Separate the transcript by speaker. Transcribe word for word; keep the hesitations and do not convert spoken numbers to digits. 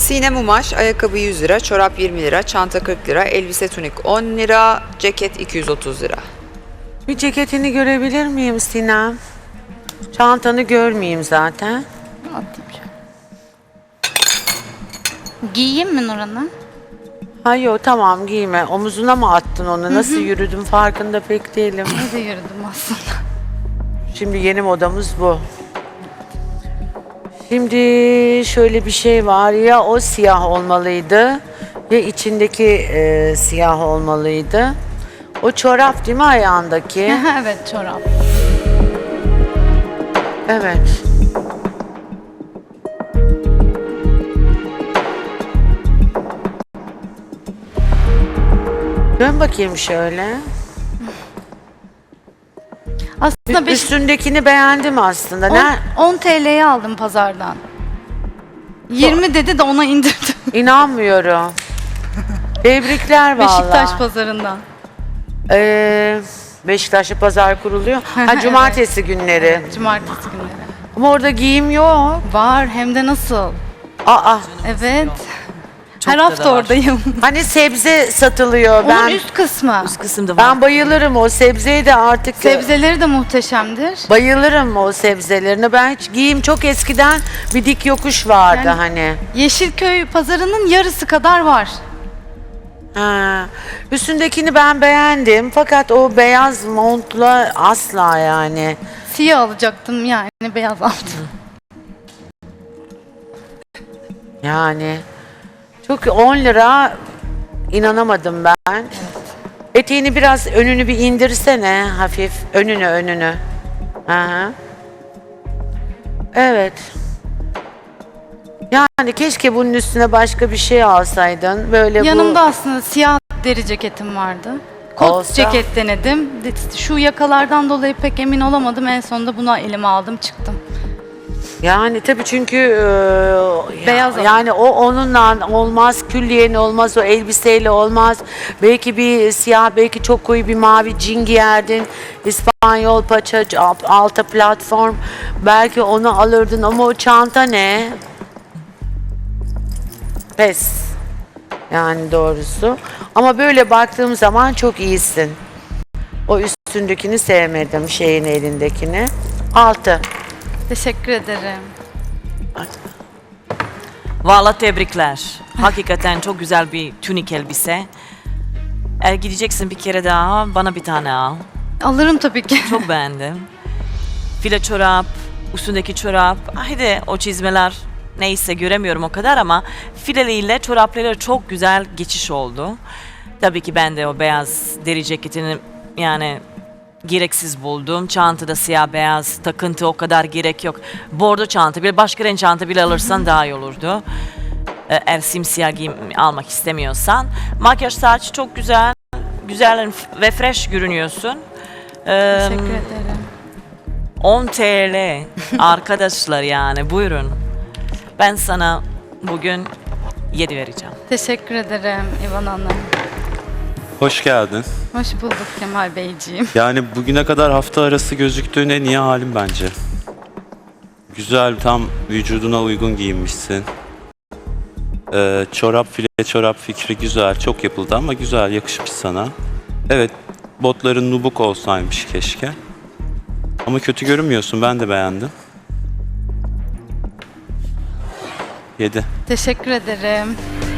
Speaker 1: Sinem Umaş, ayakkabı yüz lira, çorap yirmi lira, çanta kırk lira, elbise tunik on lira, ceket iki yüz otuz lira.
Speaker 2: Bir ceketini görebilir miyim Sinem? Çantanı görmeyeyim zaten.
Speaker 3: Atayım şöyle. Giyeyim mi Nurhan'ı?
Speaker 2: Hayır tamam giyme. Omuzuna mı attın onu? Nasıl yürüdüm farkında pek değilim.
Speaker 3: Ne de yürüdüm aslında.
Speaker 2: Şimdi yeni modamız bu. Şimdi şöyle bir şey var ya o siyah olmalıydı ya içindeki e, siyah olmalıydı. O çorap değil mi ayağındaki?
Speaker 3: Evet, çorap.
Speaker 2: Evet. Dön bakayım şöyle.
Speaker 3: Aslında beş,
Speaker 2: Üstündekini beğendim aslında. Ne?
Speaker 3: on T L'ye aldım pazardan. yirmi dedi de ona indirdim.
Speaker 2: İnanmıyorum. Tebrikler vallahi.
Speaker 3: Beşiktaş pazarından.
Speaker 2: Ee, Beşiktaş'ta pazar kuruluyor. Ha cumartesi günleri.
Speaker 3: Evet, cumartesi günleri.
Speaker 2: Ama orada giyim yok.
Speaker 3: Var, hem de nasıl?
Speaker 2: Aa,
Speaker 3: Evet.
Speaker 4: Çok
Speaker 3: Her
Speaker 4: da
Speaker 3: hafta
Speaker 4: da var.
Speaker 3: oradayım.
Speaker 2: hani sebze satılıyor.
Speaker 3: Onun
Speaker 2: Ben
Speaker 3: üst kısmı.
Speaker 4: Üst kısımda var.
Speaker 2: ben bayılırım o sebzeye de artık.
Speaker 3: Sebzeleri de muhteşemdir.
Speaker 2: Bayılırım o sebzelerine. Ben hiç giyim çok eskiden bir dik yokuş vardı
Speaker 3: Yani-
Speaker 2: hani.
Speaker 3: Yeşilköy pazarının yarısı kadar var.
Speaker 2: Ha. Üstündekini ben beğendim fakat o beyaz montla asla yani.
Speaker 3: Siyah alacaktım yani, beyaz aldım.
Speaker 2: Yani çok on lira inanamadım ben. Eteğini biraz önünü bir indirsene hafif önünü önünü. Aha. Evet. Yani keşke bunun üstüne başka bir şey alsaydın. Böyle
Speaker 3: Yanımda
Speaker 2: bu
Speaker 3: aslında siyah deri ceketim vardı. Kot
Speaker 2: Olsa.
Speaker 3: ceket denedim. Şu yakalardan dolayı pek emin olamadım. En sonunda buna elime aldım, çıktım.
Speaker 2: yani tabii çünkü e,
Speaker 3: Beyaz
Speaker 2: ya- yani o onunla olmaz, külliyen olmaz, o elbiseyle olmaz. Belki bir siyah, belki çok koyu bir mavi cin giyerdin. İspanyol paça, alta platform. Belki onu alırdın ama o çanta ne? Pes. Yani doğrusu. Ama böyle baktığım zaman çok iyisin. O üstündekini sevmedim, şeyin elindekini. Altı.
Speaker 3: Teşekkür ederim.
Speaker 4: Vallahi tebrikler. Hakikaten çok güzel bir tunik elbise. Eğer gideceksin bir kere daha bana bir tane al.
Speaker 3: Alırım tabii ki.
Speaker 4: Çok beğendim. File çorap, üstündeki çorap. Haydi o çizmeler neyse göremiyorum o kadar ama fileliyle çorapları çok güzel geçiş oldu. Tabii ki ben de o beyaz deri ceketini yani gereksiz buldum. Çantada siyah beyaz takıntı o kadar gerek yok. Bordo çanta bile başka renk çanta bile alırsan daha iyi olurdu. Ee, Eğer simsiyah giyim almak istemiyorsan. Makyaj saç çok güzel. Güzel ve fresh görünüyorsun. Ee,
Speaker 3: Teşekkür ederim.
Speaker 4: on T L arkadaşlar yani buyurun. Ben sana bugün yedi vereceğim.
Speaker 3: Teşekkür ederim İvan Hanım.
Speaker 5: Hoş geldin.
Speaker 3: Hoş bulduk Kemal Beyciğim.
Speaker 5: Yani bugüne kadar hafta arası gözüktüğün en iyi halin bence. Güzel, tam vücuduna uygun giyinmişsin. Ee, çorap, file çorap fikri güzel, çok yapıldı ama güzel, yakışmış sana. Evet, botların nubuk olsaymış keşke. Ama kötü görünmüyorsun, ben de beğendim. Yedi.
Speaker 3: Teşekkür ederim.